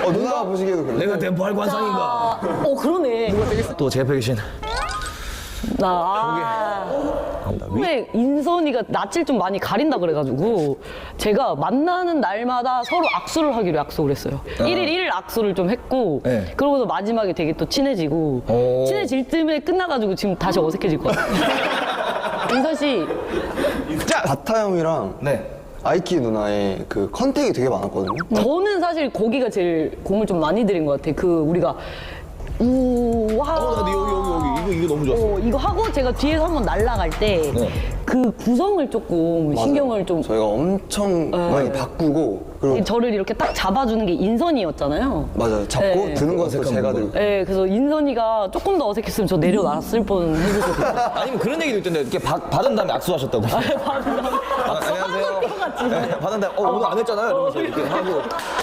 누나가 보시기에도 그래. 내가 대포할 관상인가? 그러네. 또 제 옆에 계신 처음에 인선이가 낯을 좀 많이 가린다 그래가지고 제가 만나는 날마다 서로 악수를 하기로 약속을 했어요. 1일 1일 악수를 좀 했고 네. 그러고서 마지막에 되게 또 친해지고 친해질 쯤에 끝나가지고 지금 다시 어색해질 것 같아요. 인선 씨. 바타 형이랑 네. 아이키 누나의 그 컨택이 되게 많았거든요. 저는 사실 거기가 제일 공을 좀 많이 들인 것 같아. 그 우리가 우와. 근데 여기 이거 너무 좋았어. 이거 하고 제가 뒤에서 한번 날아갈 때 그 구성을 조금 신경을 좀 저희가 엄청 많이 바꾸고 그리고 저를 이렇게 딱 잡아주는 게 인선이었잖아요. 맞아요. 잡고 네. 드는 것도 제가 들고. 네, 그래서 인선이가 조금 더 어색했으면 저 내려놨을 뻔 해줬거든요. 아니면 그런 얘기도 있던데 이렇게 받은 다음에 악수하셨다고. 받은 다음에 안녕하세요. 네, 받은 다음에 오늘 안 했잖아요. 이러면서 이렇게 하고.